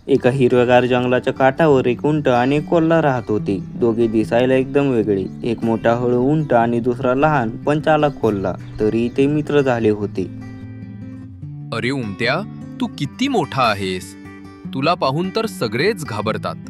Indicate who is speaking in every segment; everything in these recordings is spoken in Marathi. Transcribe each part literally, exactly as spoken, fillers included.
Speaker 1: एका हिरव्यागार जंगलाच्या काठावर एक उंट आणि एक कोल्हा राहत होते. दोघे दिसायला एकदम वेगळे. एक मोठा हळू उंट आणि दुसरा लहान पण चालाक कोल्हा. तरी ते मित्र झाले होते.
Speaker 2: अरे उमत्या, तू किती मोठा आहेस. तुला पाहून तर सगळेच घाबरतात.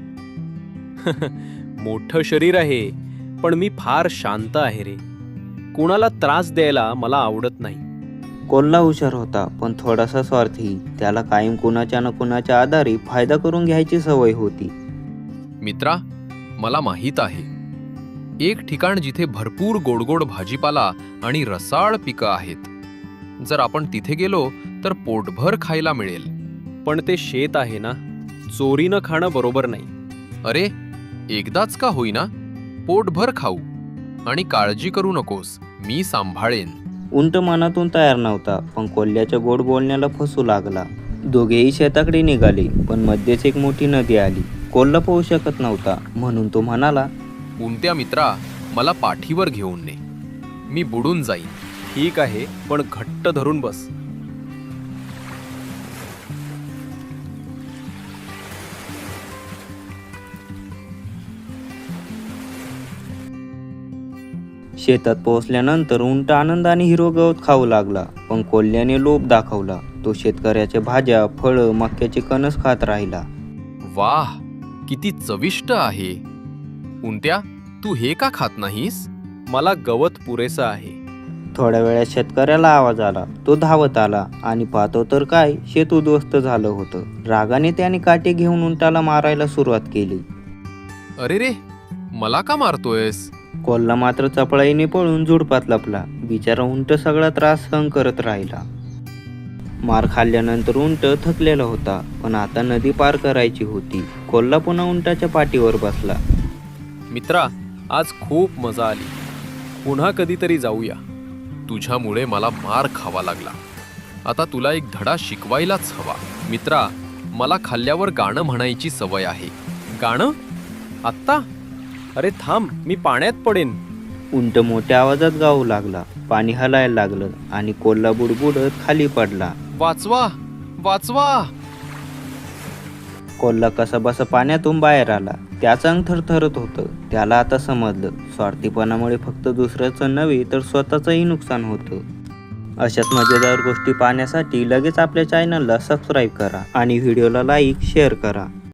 Speaker 3: मोठं शरीर आहे, पण मी फार शांत आहे रे. कुणाला त्रास द्यायला मला आवडत नाही.
Speaker 1: कोल्हा हुशार होता पण थोडासा स्वार्थी. त्याला कायम कुणाच्या ना कुणाच्या आधारे फायदा करून घ्यायची सवय होती.
Speaker 2: मित्रा, मला माहीत आहे एक ठिकाण जिथे भरपूर गोडगोड भाजीपाला आणि रसाळ पिकं आहेत. जर आपण तिथे गेलो तर पोटभर खायला मिळेल.
Speaker 3: पण ते शेत आहे ना, चोरीनं खाणं बरोबर नाही.
Speaker 2: अरे, एकदाच का होईना, पोटभर खाऊ आणि काळजी करू नकोस, मी सांभाळेन.
Speaker 1: उंट मनातून तयार नव्हता पण कोल्ह्याच्या गोड बोलण्याला फसू लागला. दोघेही शेताकडे निघाले पण मध्येच एक मोठी नदी आली. कोल्हा पोहू शकत नव्हता म्हणून तो म्हणाला,
Speaker 2: उमत्या मित्रा, मला पाठीवर घेऊन ने, मी बुडून जाईन.
Speaker 3: ठीक आहे, पण घट्ट धरून बस.
Speaker 1: शेतात पोहोचल्यानंतर उंट आनंदाने हिरवं गवत खाऊ लागला. पण कोल्ह्याने लोभ दाखवला. तो शेतकऱ्याच्या भाज्या, फळं, मक्याचे कणस खात राहिला.
Speaker 2: वाह, किती चविष्ट आहे. उमत्या, तू हे का खात नाहीस?
Speaker 3: मला गवत पुरेसं आहे.
Speaker 1: थोड्या वेळात शेतकऱ्याला आवाज आला. तो धावत आला आणि पाहतो तर काय, शेत उद्ध्वस्त झालं होतं. रागाने त्याने काटे घेऊन उंटाला मारायला सुरुवात केली.
Speaker 2: अरे रे, मला का मारतोयस?
Speaker 1: कोल्हा मात्र चपळाईने पळून झुडपात लपला. बिचारा उंट सगळा त्रास सहन करत राहिला. मार खाल्ल्यानंतर उंट थकलेला होता पण आता नदी पार करायची होती. कोल्हा पुन्हा उंटाच्या पाठीवर बसला.
Speaker 3: मित्रा, आज खूप मजा आली. पुन्हा कधीतरी जाऊया.
Speaker 2: तुझ्यामुळे मला मार खावा लागला. आता तुला एक धडा शिकवायलाच हवा. मित्रा, मला खाल्ल्यावर गाणं म्हणायची सवय आहे.
Speaker 3: गाणं? आत्ता? अरे थांब, मी पाण्यात पडेन.
Speaker 1: उंट मोठ्या आवाजात गाऊ लागला. पाणी हलायला लागलं आणि कोल्हा बुडबुडत खाली पडला.
Speaker 2: वाचवा, वाचवा.
Speaker 1: कोल्हा कसाबसा पाण्यातून बाहेर आला. त्याचं अंग थरथरत होतं. त्याला आता समजलं, स्वार्थीपणामुळे फक्त दुसऱ्याचं नव्हे तर स्वतःचंही नुकसान होतं. अशाच मजेदार गोष्टी पाहण्यासाठी लगेच आपल्या चॅनलला सबस्क्राईब करा आणि व्हिडिओला लाईक शेअर करा.